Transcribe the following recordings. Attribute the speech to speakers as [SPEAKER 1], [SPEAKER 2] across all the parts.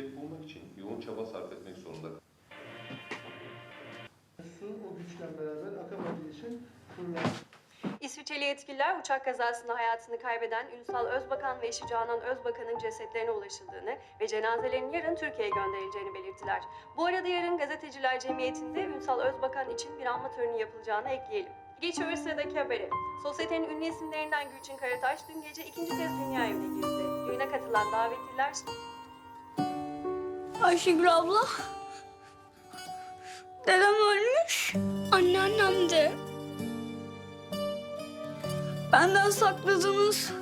[SPEAKER 1] gelecek bulmak için yoğun çaba sarf etmek zorunda.
[SPEAKER 2] Su o güçle beraber akamadığı için fırlar.
[SPEAKER 3] İsviçreli yetkililer uçak kazasında hayatını kaybeden Ünsal Özbakan ve eşi Canan Özbakan'ın cesetlerine ulaşıldığını ve cenazelerin yarın Türkiye'ye gönderileceğini belirttiler. Bu arada yarın Gazeteciler Cemiyeti'nde Ünsal Özbakan için bir anma töreni yapılacağını ekleyelim. Geçiyoruz sıradaki habere. Sosyetenin ünlü isimlerinden Gülçin Karataş dün gece ikinci kez dünya evine girdi. Düğüne katılan davetliler...
[SPEAKER 4] Ayşegül abla. Dedem ölmüş. Anneannem de. Benden sakladınız.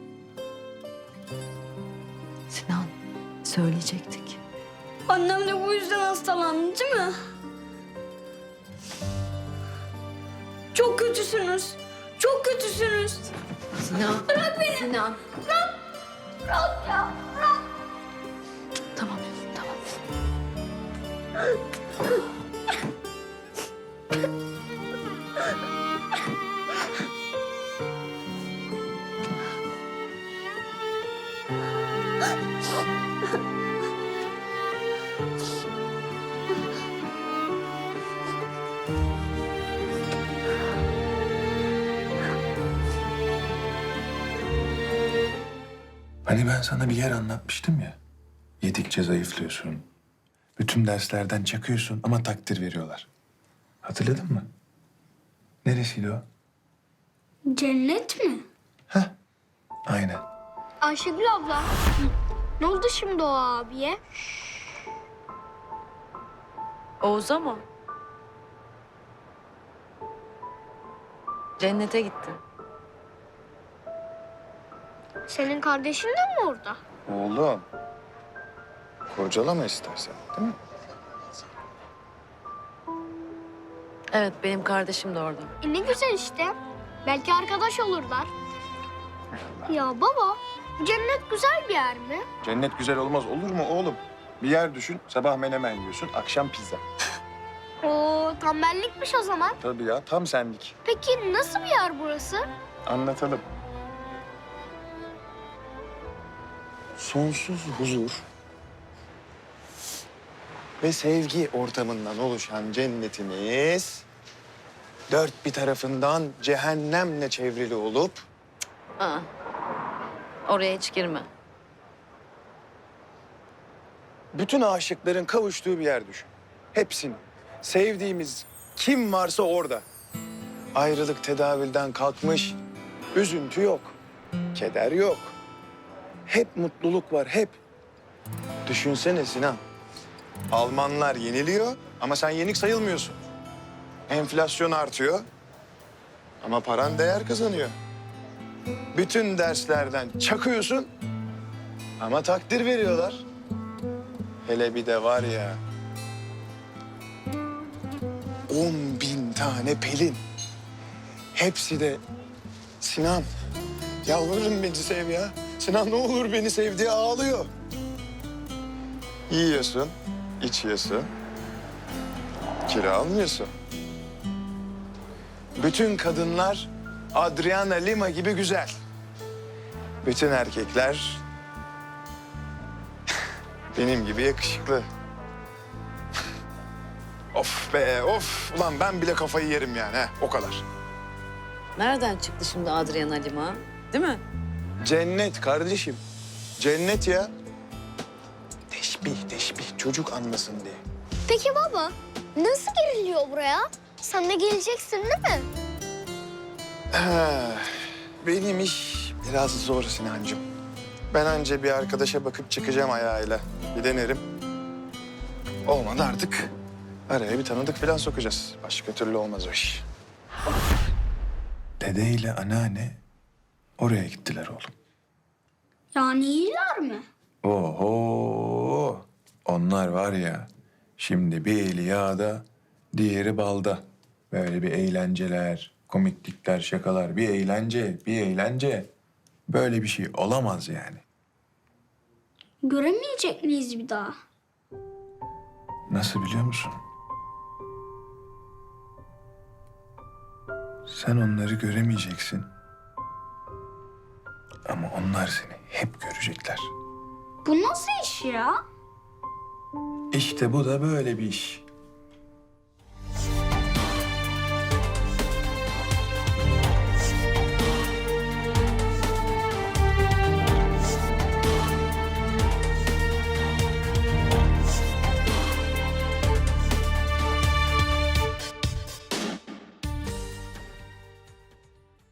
[SPEAKER 5] Sinan, söyleyecektik.
[SPEAKER 4] Annem de bu yüzden hastalandı değil mi? Çok kötüsünüz. Çok kötüsünüz.
[SPEAKER 5] Sinan.
[SPEAKER 4] Bırak beni.
[SPEAKER 5] Sinan.
[SPEAKER 4] Bırak ya. Bırak.
[SPEAKER 5] Tamam, tamam.
[SPEAKER 6] Hani ben sana bir yer anlatmıştım ya. Yedikçe zayıflıyorsun. Bütün derslerden çakıyorsun ama takdir veriyorlar. Hatırladın mı? Neresiydi o?
[SPEAKER 4] Cennet mi?
[SPEAKER 6] Heh, aynen.
[SPEAKER 4] Ayşegül abla. Ne oldu şimdi o abiye?
[SPEAKER 5] Oğuz'a mı? Cennete gitti.
[SPEAKER 4] Senin kardeşin de mi orada?
[SPEAKER 6] Oğlum. Kurcalama istersen, değil mi?
[SPEAKER 5] Evet, benim kardeşim de orada.
[SPEAKER 4] Ne güzel işte. Belki arkadaş olurlar. Ya baba, cennet güzel bir yer mi?
[SPEAKER 6] Cennet güzel olmaz olur mu oğlum? Bir yer düşün, sabah menemen yiyorsun, akşam pizza.
[SPEAKER 4] Oo, tembellikmiş o zaman.
[SPEAKER 6] Tabii ya, tam senlik.
[SPEAKER 4] Peki nasıl bir yer burası?
[SPEAKER 6] Anlatalım. Sonsuz huzur ve sevgi ortamından oluşan cennetimiz... ...dört bir tarafından cehennemle çevrili olup...
[SPEAKER 5] Aa, oraya hiç girme.
[SPEAKER 6] ...bütün aşıkların kavuştuğu bir yer düşün. Hepsini. Sevdiğimiz kim varsa orada. Ayrılık tedavülden kalkmış, üzüntü yok, keder yok. Hep mutluluk var, hep. Düşünsene Sinan. Almanlar yeniliyor ama sen yenik sayılmıyorsun. Enflasyon artıyor ama paran değer kazanıyor. Bütün derslerden çakıyorsun ama takdir veriyorlar. Hele bir de var ya... 10.000 tane Pelin. Hepsi de Sinan. Yalvarırım beni sev ya. Sinan ne olur beni sev diye ağlıyor. Yiyorsun, içiyorsun. Kilo almıyorsun. Bütün kadınlar Adriana Lima gibi güzel. Bütün erkekler benim gibi yakışıklı. Of be of. Ulan ben bile kafayı yerim yani he, o kadar.
[SPEAKER 5] Nereden çıktı şimdi Adriana Lima? Değil mi?
[SPEAKER 6] Cennet kardeşim. Cennet ya. Teşbih. Çocuk anlasın diye.
[SPEAKER 4] Peki baba, nasıl giriliyor buraya? Sen de geleceksin değil mi?
[SPEAKER 6] Benim iş biraz zor Sinancığım. Ben anca bir arkadaşa bakıp çıkacağım ayağıyla. Bir denerim. Olmadı artık. Araya bir tanıdık falan sokacağız. Başka türlü olmaz o iş. Dede ile anneanne oraya gittiler oğlum.
[SPEAKER 4] Yani iyiler mi?
[SPEAKER 6] Oho! Onlar var ya, şimdi bir eli yağda, diğeri balda. Böyle bir eğlenceler, komiklikler, şakalar, bir eğlence. Böyle bir şey olamaz yani.
[SPEAKER 4] Göremeyecek miyiz bir daha?
[SPEAKER 6] Nasıl biliyor musun? Sen onları göremeyeceksin. Ama onlar seni hep görecekler.
[SPEAKER 4] Bu nasıl iş ya?
[SPEAKER 6] İşte bu da böyle bir iş.